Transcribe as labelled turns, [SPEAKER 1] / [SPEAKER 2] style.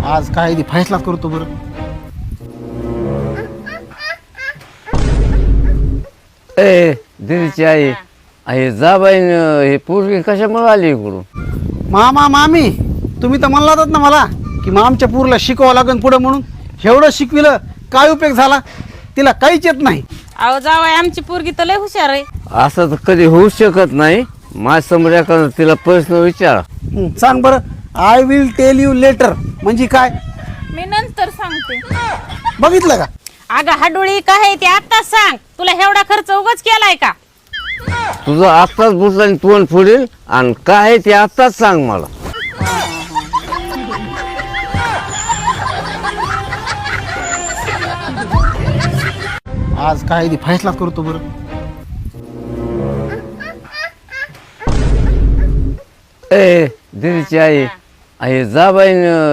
[SPEAKER 1] आज काय फैसला करतो बरं.
[SPEAKER 2] ए दिदीची आई आहे जा बाई हे पोरगी कशामुळे आली इकडून.
[SPEAKER 1] मामा मामी तुम्ही तर म्हणलातच ना मला की मग आमच्या पूरला शिकवावं लागेल पुढं म्हणून. एवढं शिकविलं काय उपयोग झाला, तिला काहीच येत नाही.
[SPEAKER 3] अहो जावाय आमची पोरगी तर लय हुशार आहे.
[SPEAKER 2] असं तर कधी होऊ शकत नाही. माझ्यासमोर एखादं तिला प्रश्न विचारा.
[SPEAKER 1] सांग बरं. I will tell you later म्हणजे काय
[SPEAKER 3] मी नंतर सांगते.
[SPEAKER 1] बघितलं का.
[SPEAKER 3] अगं हाडोळी काय आहे ते आत्ताच सांग. तुला एवढा खर्च उगाच केलाय का.
[SPEAKER 2] तुझं आत्ताच बुटाने तोंड फोडील आणि काय आहे ते आत्ताच सांग मला.
[SPEAKER 1] आज काय फैसला करतो बरं.
[SPEAKER 2] ए दिदीची आई आहे जा बाई